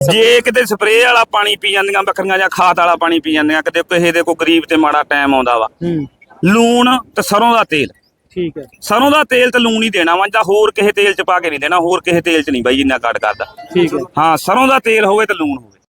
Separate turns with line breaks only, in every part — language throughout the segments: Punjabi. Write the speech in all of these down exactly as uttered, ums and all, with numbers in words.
ਜੇ ਕਿਤੇ ਸਪਰੇਅ ਵਾਲਾ ਪਾਣੀ ਪੀ ਜਾਂਦੀਆਂ ਬੱਕਰੀਆਂ ਜਾਂ ਖਾਦ ਵਾਲਾ ਪਾਣੀ ਪੀ ਜਾਂਦੀਆਂ, ਕਿਤੇ ਕਿਸੇ ਦੇ ਕੋਈ ਗਰੀਬ ਤੇ ਮਾੜਾ ਟਾਈਮ ਆਉਂਦਾ ਵਾ, ਲੂਣ ਤੇ ਸਰੋਂ ਦਾ ਤੇਲ।
ਠੀਕ ਹੈ।
ਸਰੋਂ ਦਾ ਤੇਲ ਤੇ ਲੂਣ ਹੀ ਦੇਣਾ ਵਾ, ਜਾਂ ਹੋਰ ਕਿਸੇ ਤੇਲ ਚ ਪਾ ਕੇ ਨਹੀਂ ਦੇਣਾ, ਹੋਰ ਕਿਸੇ ਤੇਲ ਚ ਨਹੀਂ ਬਾਈ ਇੰਨਾ ਕੱਟ ਕਰਦਾ।
ਠੀਕ ਹੈ।
ਹਾਂ, ਸਰੋਂ ਦਾ ਤੇਲ ਹੋਵੇ ਤੇ ਲੂਣ ਹੋਵੇ।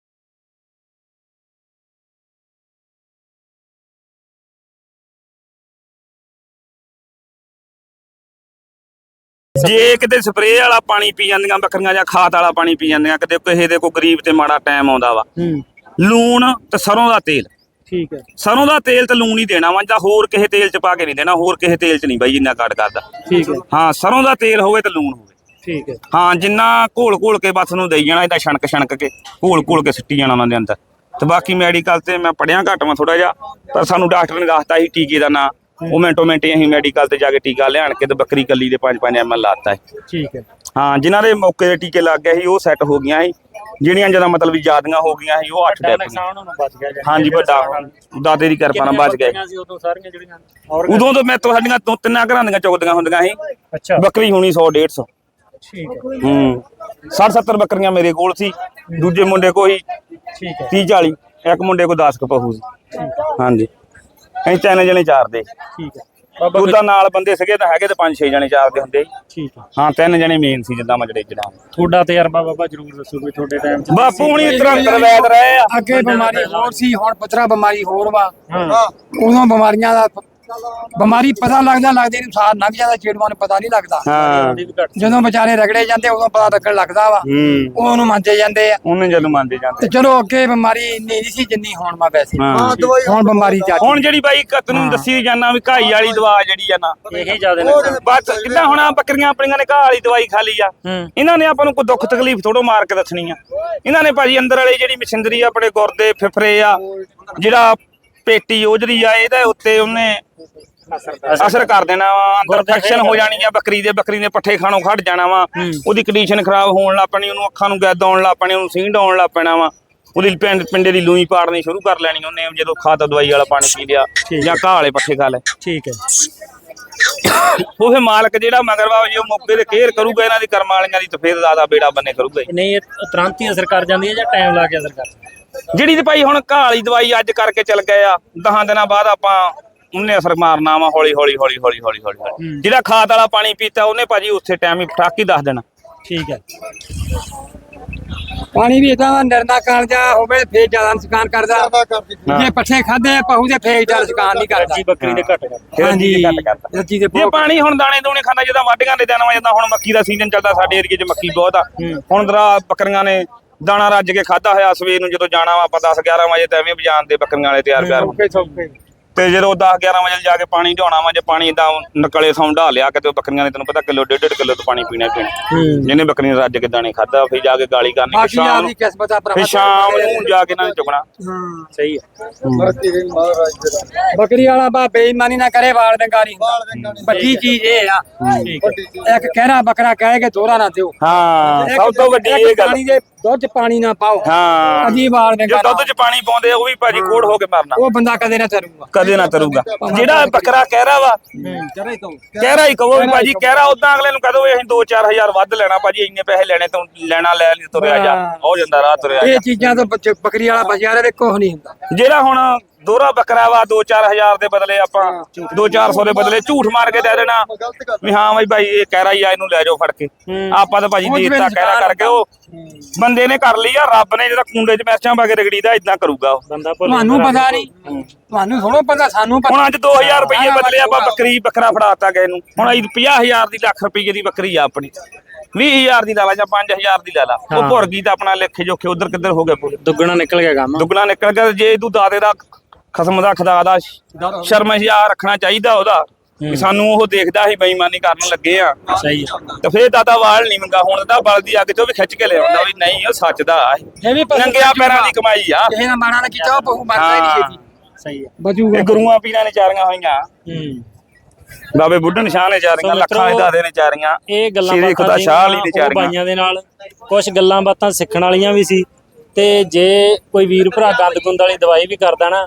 ਜੇ ਕਿਤੇ ਸਪਰੇਅ ਵਾਲਾ ਪਾਣੀ ਪੀ ਜਾਂਦੀਆਂ ਬੱਕਰੀਆਂ ਜਾਂ ਖਾਦ ਵਾਲਾ ਪਾਣੀ ਪੀ ਜਾਂਦੀਆਂ, ਕਿਤੇ ਕਿਸੇ ਦੇ ਕੋਈ ਗਰੀਬ ਤੇ ਮਾੜਾ ਟਾਈਮ ਆਉਂਦਾ ਵਾ, ਲੂਣ ਤੇ ਸਰੋਂ ਦਾ ਤੇਲ।
ਠੀਕ ਹੈ।
ਸਰੋਂ ਦਾ ਤੇਲ ਤੇ ਲੂਣ ਹੀ ਦੇਣਾ ਵਾ, ਜਾਂ ਹੋਰ ਕਿਸੇ ਤੇਲ ਚ ਪਾ ਕੇ ਨਹੀਂ ਦੇਣਾ, ਹੋਰ ਕਿਸੇ ਤੇਲ ਚ ਨਹੀਂ ਬਾਈ ਇੰਨਾ ਕੱਟ ਕਰਦਾ।
ਠੀਕ ਹੈ।
ਹਾਂ, ਸਰੋਂ ਦਾ ਤੇਲ ਹੋਵੇ ਤੇ ਲੂਣ ਹੋਵੇ।
ਠੀਕ ਹੈ।
ਹਾਂ, ਜਿੰਨਾ ਘੋਲ ਘੋਲ ਕੇ ਬਸ ਨੂੰ ਦੇਈ ਜਾਣਾ, ਇਹਦਾ ਛਣਕ ਛਣਕ ਕੇ ਘੋਲ ਘੋਲ ਕੇ ਸਿੱਟੀ ਜਾਣਾ ਉਹਨਾਂ ਦੇ ਅੰਦਰ। ਤੇ ਬਾਕੀ ਮੈਡੀਕਲ ਤੇ ਮੈਂ ਪੜਿਆ ਘੱਟ ਵਾ ਥੋੜਾ ਜਿਹਾ, ਪਰ ਸਾਨੂੰ ਡਾਕਟਰ ਨੇ ਦੱਸਤਾ ਸੀ ਟੀਕੇ ਦਾ ਨਾਂ, ਉਹ ਮਿੰਟੋ ਮਿੰਟ ਅਸੀਂ ਮੈਡੀਕਲ ਤੇ ਜਾ ਕੇ ਟੀਕਾ ਲਿਆਣ ਕੇ ਤੇ ਬੱਕਰੀ ਕੱਲੀ ਦੇ ਪੰਜ ਪੰਜ ਐਮ ਐਲ ਲਾਤਾ ਹੈ।
ਠੀਕ ਹੈ।
ਹਾਂ, ਜਿਨ੍ਹਾਂ ਦੇ ਮੌਕੇ ਦੇ ਟੀਕੇ ਲੱਗ ਗਏ ਸੀ ਉਹ ਸੈੱਟ ਹੋ ਗਈਆਂ ਸੀ, ਜਿਹੜੀਆਂ ਜਦੋਂ ਮਤਲਬ ਵੀ ਜ਼ਿਆਦੀਆਂ ਹੋ ਗਈਆਂ ਸੀ ਉਹ ਅੱਠ ਡੈਪ ਗਈਆਂ। ਹਾਂਜੀ, ਵੱਡਾ ਦਾਦੇ ਦੀ ਕਿਰਪਾ ਨਾਲ ਬਚ ਗਏ। ਉਦੋਂ ਤੋਂ ਮੈਂ ਤੁਹਾਡੀਆਂ ਦੋ ਤਿੰਨਾਂ ਘਰਾਂ ਦੀਆਂ ਚੁਗਦੀਆਂ ਹੁੰਦੀਆਂ ਸੀ, ਬੱਕਰੀ ਹੋਣੀ ਸੌ ਡੇਢ ਸੌ। ਹੂੰ, ਸੱਠ ਸੱਤਰ ਬੱਕਰੀਆਂ ਮੇਰੇ ਕੋਲ ਸੀ, ਦੂਜੇ ਮੁੰਡੇ ਕੋਲ ਹੀ ਤੀਹ ਚਾਲੀ, ਇੱਕ ਮੁੰਡੇ ਕੋਲ ਦਸ ਕੁ ਪਹੂ ਸੀ। ਹਾਂਜੀ, ਅਸੀਂ ਤਿੰਨ ਜਣੇ ਚਾਰਦੇ।
ਠੀਕ ਹੈ।
ਉਹਦਾ ਨਾਲ ਬੰਦੇ ਸੀਗੇ ਤਾਂ ਹੈਗੇ ਤੇ ਪੰਜ ਛੇ ਜਣੇ ਚਾਰਦੇ ਹੁੰਦੇ।
ਠੀਕ ਹੈ।
ਹਾਂ, ਤਿੰਨ ਜਣੇ ਮੇਨ ਸੀ ਜਿੱਦਾਂ ਮਜੜੇ ਜਿਹੜਾ।
ਤੁਹਾਡਾ ਤਜਰਬਾ ਬਾਬਾ ਜਰੂਰ ਦੱਸੋ ਵੀ ਤੁਹਾਡੇ ਟਾਈਮ 'ਚ।
ਬਾਪੂ ਹੁਣੀ ਤੁਰੰਤ ਵੈਦ ਰਹੇ ਆ।
ਅੱਗੇ ਬਿਮਾਰੀ ਹੋਰ ਸੀ, ਹੁਣ ਪੁੱਤਰਾ ਬਿਮਾਰੀ ਹੋਰ ਵਾ। ਉਦੋਂ ਬਿਮਾਰੀਆਂ ਦਾ ਬਿਮਾਰੀ ਪਤਾ ਲੱਗਦਾ ਲੱਗਦੇ ਨੂੰ ਸਾਰ ਲੰਘ ਜਾਂਦਾ, ਚੇੜੂਆਂ ਨੂੰ ਪਤਾ ਨਹੀਂ ਲੱਗਦਾ।
ਹਾਂ,
ਜਦੋਂ ਵਿਚਾਰੇ ਰਗੜੇ ਜਾਂਦੇ ਉਦੋਂ ਪਤਾ ਲੱਗਣ ਲੱਗਦਾ ਵਾ, ਉਹਨੂੰ ਮੰਨਦੇ ਜਾਂਦੇ ਆ।
ਉਹਨੇ ਜਦੋਂ ਮੰਨਦੇ ਜਾਂਦੇ।
ਤੇ ਚਲੋ ਅੱਗੇ ਬਿਮਾਰੀ ਇੰਨੀ ਨਹੀਂ ਸੀ ਜਿੰਨੀ ਹੁਣ ਵਾ ਵੈਸੇ। ਹੁਣ ਬਿਮਾਰੀ ਜ਼ਿਆਦਾ।
ਹੁਣ ਜਿਹੜੀ ਬਾਈ ਤੈਨੂੰ ਦੱਸੀ ਜਾਨਾ ਵੀ ਘਾਈ ਵਾਲੀ ਦਵਾ ਜਿਹੜੀ ਆ ਨਾ,
ਇਹੀ ਜ਼ਿਆਦਾ
ਬਸ ਜਿੱਦਾਂ ਹੁਣ ਬੱਕਰੀਆਂ ਆਪਣੀਆਂ ਨੇ ਘਾਹ ਵਾਲੀ ਦਵਾਈ ਖਾ ਲਈ ਆ, ਇਹਨਾਂ ਨੇ ਆਪਾਂ ਨੂੰ ਕੋਈ ਦੁੱਖ ਤਕਲੀਫ ਥੋੜੋ ਮਾਰ ਕੇ ਦੱਸਣੀ ਆ। ਇਹਨਾਂ ਨੇ ਭਾਜੀ ਅੰਦਰ ਵਾਲੀ ਜਿਹੜੀ ਮਸ਼ੀਨਰੀ ਆ, ਆਪਣੇ ਗੁਰਦੇ ਫਿਫਰੇ ਆ, ਜਿਹੜਾ ਪੇਟੀ ਉਜਰੀ ਆ, ਇਹਦੇ ਉੱਤੇ ਉਹਨੇ ਅਸਰ ਕਰ ਦੇਣਾ ਵਾ, ਅੰਦਰ ਇਨਫੈਕਸ਼ਨ ਹੋ ਜਾਣੀ ਆ ਬੱਕਰੀ ਦੇ, ਬੱਕਰੀ ਦੇ ਪੱਠੇ ਖਾਣੋਂ ਖੜ ਜਾਣਾ ਵਾ, ਉਹਦੀ ਕੰਡੀਸ਼ਨ ਖਰਾਬ ਹੋਣ ਲੱਗ ਪੈਣੀ, ਉਹਨੂੰ ਅੱਖਾਂ ਨੂੰ ਗੈਦ ਆਉਣ ਲੱਗ ਪੈਣੀ, ਉਹਨੂੰ ਸੀਂਡ ਆਉਣ ਲੱਗ ਪੈਣਾ ਵਾ, ਉਹਦੀ ਪਿੰਡ ਪਿੰਡੇ ਦੀ ਲੂਈ ਪਾੜਨੀ ਸ਼ੁਰੂ ਕਰ ਲੈਣੀ ਉਹਨੇ ਜਦੋਂ ਖਾਦ ਦਵਾਈ ਵਾਲਾ ਪਾਣੀ ਪੀ ਲਿਆ ਜਾਂ ਘਾਹ ਵਾਲੇ ਪੱਠੇ ਖਾ ਲਏ।
ਠੀਕ ਹੈ।
ਉਹ ਫੇ ਮਾਲਕ ਜਿਹੜਾ ਮਗਰ ਵਾ ਜੇ ਉਹ ਮੌਕੇ ਤੇ ਕੇਅਰ ਕਰੂਗਾ ਇਹਨਾਂ ਦੀ ਕਰਮ ਵਾਲੀਆਂ ਦੀ, ਤਾਂ ਫੇਰ ਜ਼ਿਆਦਾ ਬੇੜਾ ਬੰਨੇ ਕਰੂਗਾ।
ਨਹੀਂ, ਇਹ ਤੁਰੰਤ ਹੀ ਅਸਰ ਕਰ ਜਾਂਦੀ ਹੈ ਜਾਂ ਟਾਈਮ ਲਾ ਕੇ ਅਸਰ ਕਰਦੀ?
ਜਿਹੜੀ ਤੇ ਭਾਈ ਹੁਣ ਘਾਹ ਵਾਲੀ ਦਵਾਈ ਅੱਜ ਕਰਕੇ ਚੱਲ ਗਏ ਆ, ਦਸਾਂ ਦਿਨਾਂ ਬਾਅਦ ਆਪਾਂ ਉਹਨੇ ਅਸਰ ਮਾਰਨਾ ਵਾ ਹੌਲੀ ਹੌਲੀ ਹੌਲੀ ਹੌਲੀ ਹੌਲੀ ਹੌਲੀ। ਜਿਹੜਾ ਖਾਦ ਵਾਲਾ ਪਾਣੀ ਪੀਤਾ ਉਹਨੇ ਭਾਜੀ ਉਸੇ ਟਾਈਮ ਹੀ ਫਟਾਕ ਹੀ ਦੱਸ ਦੇਣਾ।
ਠੀਕ ਹੈ।
ਪਾਣੀ ਵੀ ਇਦਾਂ ਦਾ ਨਿਰਨਾ ਕਾਲ ਜਾ ਹੋਵੇ ਫੇਰ ਜ਼ਿਆਦਾ ਨੁਕਸਾਨ ਕਰਦਾ, ਜੇ ਪੱਠੇ ਖਾਦੇ ਪਹੂ ਦੇ ਫੇਰ ਜ਼ਿਆਦਾ ਨੁਕਸਾਨ ਨਹੀਂ ਕਰਦਾ।
ਜੀ ਬੱਕਰੀ ਦੇ ਘੱਟ ਕਰਦਾ।
ਹਾਂਜੀ,
ਰੱਜੀ ਦੇ ਜੇ ਪਾਣੀ ਹੁਣ ਦਾਣੇ ਦੂਣੇ ਖਾਂਦਾ, ਜਦੋਂ ਵਾਢੀਆਂ ਦੇ ਦਿਨ ਵਾ, ਜਦੋਂ ਹੁਣ ਮੱਕੀ ਦਾ ਸੀਜ਼ਨ ਚੱਲਦਾ, ਸਾਡੇ ਏਰੀਏ 'ਚ ਮੱਕੀ ਬਹੁਤ ਆ। ਹੁਣ ਦਰਾ ਬੱਕਰੀਆਂ ਨੇ ਦਾਣਾ ਰੱਜ ਕੇ ਖਾਦਾ ਹੋਇਆ, ਸਵੇਰ ਨੂੰ ਜਦੋਂ ਜਾਣਾ ਵਾ ਆਪਾਂ ਦਸ ਗਿਆਰਾਂ ਵਜੇ ਤਾਂ ਐਵੇਂ ਬਜਾਨ ਦੇ ਬੱਕਰੀਆਂ ਵਾਲੇ ਤਿਆਰ ਕਰ, ਤੇ ਜਦੋਂ ਦਸ ਗਿਆਰਾਂ ਵਜੇ ਜਾ ਕੇ ਪਾਣੀ ਢਾਉਣਾ ਵਾ, ਜੇ ਪਾਣੀ ਏਦਾਂ ਨਕਲੇ ਸੌਂ ਢਾ ਲਿਆ ਕਿਤੇ ਬੱਕਰੀਆਂ ਨੇ, ਤੈਨੂੰ ਪਤਾ ਕਿਲੋ ਡੇਢ ਡੇਢ ਕਿਲੋ ਤੋਂ ਪਾਣੀ ਪੀਣਾ ਪੀਣਾ, ਜਿਹਨੇ ਬੱਕਰੀ ਨੇ ਰੱਜ ਕੇ ਦਾਣੇ ਖਾਦਾ ਫਿਰ ਜਾ ਕੇ ਗਾਲੀ ਕਰਨੀ, ਫਿਰ ਸ਼ਾਮ ਨੂੰ ਫਿਰ ਸ਼ਾਮ ਨੂੰ ਜਾ ਕੇ ਇਹਨਾਂ ਨੇ ਚੁਗਣਾ।
ਸਹੀ ਹੈ।
ਬੱਕਰੀ ਵਾਲਾ ਬਾ ਬੇਈਮਾਨੀ ਨਾ ਕਰੇ, ਵਾਲ ਡੰਗਾਰੀ ਵੱਡੀ ਚੀਜ਼ ਇਹ ਆ। ਇੱਕ ਕਹਿਰਾ ਬੱਕਰਾ ਕਹਿ ਕੇ ਦੋਹਰਾ ਨਾ ਦਿਓ।
ਹਾਂ, ਸਭ ਤੋਂ ਵੱਡੀ ਇਹ ਗੱਲ।
ਪਾਣੀ ਦੇ ਦੁੱਧ 'ਚ ਪਾਣੀ ਨਾ ਪਾਓ।
ਹਾਂ,
ਅਜੀ ਵਾਲ ਡੰਗਾ
ਦੁੱਧ 'ਚ ਪਾਣੀ ਪਾਉਂਦੇ ਉਹ ਵੀ ਭਾਜੀ ਕੋੜ ਹੋ ਕੇ ਮਰਨਾ,
ਉਹ ਬੰਦਾ ਕਦੇ ਨਾ ਤਰੂਗਾ,
ਕਦੇ ਨਾ ਤਰੂਗਾ। ਜਿਹੜਾ ਬੱਕਰਾ ਕਹਿਰਾ ਵਾ, ਕਹਿਰਾ ਹੀ ਕਹੋ ਵੀ ਭਾਜੀ ਕਹਿਰਾ, ਉਦਾਂ ਅਗਲੇ ਨੂੰ ਕਹਦੋ ਅਸੀਂ ਦੋ ਚਾਰ ਹਜ਼ਾਰ ਵੱਧ ਲੈਣਾ ਭਾਜੀ, ਇੰਨੇ ਪੈਸੇ ਲੈਣੇ ਤੋਂ ਲੈਣਾ ਲੈ ਲਈ, ਤੁਰਿਆ ਜਾ, ਹੋ ਜਾਂਦਾ ਰਾਹ ਤੁਰਿਆ।
ਇਹ ਚੀਜ਼ਾਂ ਤੋਂ ਬੱਕਰੀ ਵਾਲਾ ਬਚਿਆ ਰਹੇ, ਕੁਛ ਨਹੀਂ ਹੁੰਦਾ।
ਜਿਹੜਾ ਹੁਣ ਦੋਹਰਾ ਬੱਕਰਾ ਵਾ, ਦੋ ਚਾਰ ਹਜ਼ਾਰ ਦੇ ਬਦਲੇ ਆਪਾਂ ਦੋ ਚਾਰ ਸੌ ਦੇ ਬਦਲੇ ਝੂਠ ਮਾਰ ਕੇ ਦੇ ਦੇਣਾ ਵੀ ਹਾਂ ਬਈ ਭਾਈ ਇਹ ਕਹਿਰਾ ਹੀ ਆ, ਇਹਨੂੰ ਲੈ ਜਾਓ ਫੜ ਕੇ। ਆਪਾਂ ਤਾਂ ਭਾਜੀ ਦੇਤਾ ਕਹਿਰਾ ਕਰਕੇ, ਉਹ ਬੰਦੇ ਨੇ ਕਰ ਲਈ ਆ, ਰੱਬ ਨੇ ਜਿਹੜਾ ਕੁੰਡੇ 'ਚ ਮਿਰਚਾਂ ਪਾ ਕੇ ਰਗੜੀ ਦਾ ਇਦਾਂ ਕਰੂਗਾ ਉਹ।
ਤੁਹਾਨੂੰ ਪਤਾ ਨਹੀਂ, ਤੁਹਾਨੂੰ ਥੋੜਾ ਪਤਾ, ਸਾਨੂੰ ਪਤਾ।
ਹੁਣ ਅੱਜ ਦੋ ਹਜ਼ਾਰ ਰੁਪਈਏ ਬਦਲੇ ਆਪਾਂ ਬੱਕਰੀ ਬੱਕਰਾ ਫੜਾਤਾ ਗਏ ਨੂੰ, ਹੁਣ ਅਸੀਂ ਪੰਜਾਹ ਹਜ਼ਾਰ ਦੀ ਲੱਖ ਰੁਪਈਏ ਦੀ ਬੱਕਰੀ ਆ ਆਪਣੀ, ਵੀਹ ਹਜ਼ਾਰ ਦੀ ਲਾ ਲਾ ਜਾਂ ਪੰਜ ਹਜ਼ਾਰ ਦੀ ਲਾ ਲਾ, ਉਹ ਭੁਰ ਗਈ ਤਾਂ ਆਪਣਾ ਲੇਖੇ ਜੋਖੇ ਉਧਰ ਕਿੱਧਰ ਹੋ ਗਏ ਪੂਰੇ,
ਦੁੱਗਣਾ ਨਿਕਲ ਗਿਆ ਕੰਮ,
ਦੁੱਗਣਾ ਨਿਕਲ ਗਿਆ। ਜੇ ਤੂੰ ਦਾਦੇ ਦਾ ਖਸਮ ਦਾ ਖੁਦਾ ਦਾ ਸ਼ਰਮਿਆ ਰੱਖਣਾ ਚਾਹੀਦਾ ਉਹਦਾ, ਵੀ ਸਾਨੂੰ ਉਹ ਦੇਖਦਾ ਸੀ ਬੇਈਮਾਨੀ ਕਰਨ ਲੱਗੇ ਆ।
ਸਹੀ
ਤੇ ਫੇਰ ਦਾਦਾ ਵਾਲ ਨਹੀਂ ਮੰਗਾ, ਹੁਣ ਤਾਂ ਬਲਦੀ ਅੱਗ ਚੋਂ ਵੀ ਖਿੱਚ ਕੇ ਲਿਆਉਂਦਾ ਵੀ ਨਹੀਂ ਉਹ ਸੱਚ ਦਾ ਨੰਗਿਆ ਪੈਰਾਂ ਦੀ ਕਮਾਈ ਆ।
ਕਿਸੇ ਨਾਲ ਮਾਣਾ ਨਾ ਕੀਤਾ, ਉਹ ਬਹੁ ਮਰਦਾ ਹੀ ਨਹੀਂ ਛੇਤੀ।
ਸਹੀ ਹੈ।
ਬਜੂਗਾ
ਇਹ ਗੁਰੂਆਂ ਪੀਰਾਂ ਨੇ ਚਾਰੀਆਂ ਹੋਈਆਂ, ਬਾਬੇ ਬੁੱਢਣ ਸ਼ਾਹ ਨੇ ਚਾਰੀਆਂ, ਲੱਖਾਂ ਦੇ ਦਾਦੇ ਨੇ ਚਾਰੀਆਂ,
ਇਹ ਗੱਲਾਂ
ਸ਼੍ਰੀ ਖੁਦਾ ਸ਼ਾਹ ਅਲੀ ਨੇ ਚਾਰੀਆਂ।
ਬਾਈਆਂ ਦੇ ਨਾਲ ਕੁਝ ਗੱਲਾਂ ਬਾਤਾਂ ਸਿੱਖਣ ਵਾਲੀਆਂ ਵੀ ਸੀ, ਤੇ ਜੇ ਕੋਈ ਵੀਰ ਭਰਾ ਗੰਦ ਗੁੰਦ ਵਾਲੀ ਦਵਾਈ ਵੀ ਕਰਦਾ ਨਾ,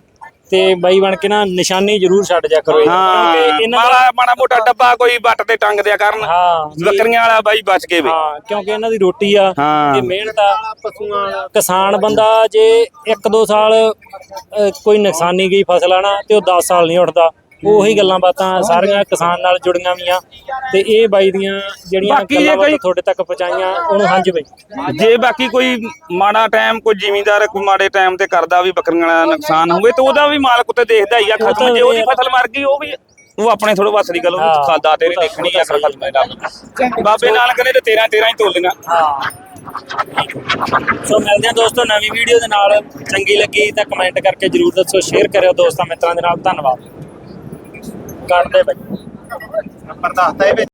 ਤੇ ਬਾਈ ਬਣ ਕੇ ਨਾ ਨਿਸ਼ਾਨੀ ਜ਼ਰੂਰ ਛੱਡ ਜਾ ਕਰੋ
ਹਾਂ
ਕਿਉਂਕਿ ਇਹਨਾਂ ਦਾ
ਮਾੜਾ ਮਾੜਾ ਮੋਟਾ ਡੱਬਾ ਕੋਈ ਵੱਟ ਤੇ ਟੰਗ ਦਿਆ ਕਰਨ
ਹਾਂ ਜੀ,
ਬੱਕਰੀਆਂ ਵਾਲਾ ਬਾਈ ਬਚ ਕੇ ਵੇ
ਹਾਂ ਕਿਉਂਕਿ ਇਹਨਾਂ ਦੀ ਰੋਟੀ ਆ
ਹਾਂ।
ਤੇ ਮਿਹਨਤ ਆ ਪਸ਼ੂਆਂ ਦਾ। ਕਿਸਾਨ ਬੰਦਾ ਜੇ ਇੱਕ ਦੋ ਸਾਲ ਅਹ, ਕੋਈ ਨੁਕਸਾਨੀ ਗਈ ਫਸਲ ਆ ਨਾ ਤੇ ਉਹ ਦਸ ਸਾਲ ਨਹੀਂ ਉੱਠਦਾ। ਉਹੀ ਗੱਲਾਂ ਬਾਤਾਂ ਸਾਰੀਆਂ ਕਿਸਾਨ ਨਾਲ ਜੁੜੀਆਂ ਵੀਆਂ ਤੇ ਇਹ ਬਾਈ ਦੀਆਂ ਜਿਹੜੀਆਂ
ਬਾਕੀ ਜੇ
ਗੱਲਾਂ ਬਾਤਾਂ
ਕੋਈ-
ਤੁਹਾਡੇ ਤੱਕ ਪਹੁੰਚਾਈਆਂ ਉਹਨੂੰ ਹਾਂਜੀ ਬਾਈ।
ਜੇ ਬਾਕੀ ਕੋਈ ਮਾੜਾ ਟਾਈਮ ਕੋਈ ਜ਼ਿਮੀਂਦਾਰ ਕੋਈ ਮਾੜੇ ਟਾਈਮ ਤੇ ਕਰਦਾ ਵੀ ਬੱਕਰੀਆਂ ਦਾ ਨੁਕਸਾਨ ਹੋਵੇ ਤੇ ਉਹਦਾ ਵੀ ਮਾਲਕ ਉੱਤੇ ਦੇਖਦਾ ਹੀ ਆ
ਉਹ
ਖਤਮ
ਤਾਂ
ਜੇ ਉਹਦੀ
ਇਹ-
ਫਸਲ ਮਰ ਗਈ ਉਹ ਵੀ ਉਹ ਆਪਣੇ ਥੋੜੋ ਵੱਸ ਦੀ ਗੱਲ ਉਹਨੂੰ
ਹਾਂ।
ਖਾਦਾ ਤੇਰੇ ਦੇਖਣੀ ਆ ਅਸਲ ਖਤਮ ਹੈ ਬਾਬੇ ਨਾਨਕ ਨੇ ਤੇ ਤੇਰਾਂ ਤੇਰਾਂ ਹੀ ਤੋਲੀਆਂ
ਹਾਂ ਸੋ ਮਿਲਦੇ ਹਾਂ ਦੋਸਤੋ ਨਵੀਂ ਵੀਡੀਓ ਦੇ ਨਾਲ। ਚੰਗੀ ਲੱਗੀ ਤਾਂ ਕਮੈਂਟ ਕਰਕੇ ਜਰੂਰ ਦੱਸੋ, ਸ਼ੇਅਰ ਕਰਿਓ ਦੋਸਤਾਂ ਮਿੱਤਰਾਂ ਦੇ ਨਾਲ। ਧੰਨਵਾਦ। ਕੱਢਦੇ ਬਾਈ
ਨੰਬਰ ਦੱਸਦਾ ਇਹ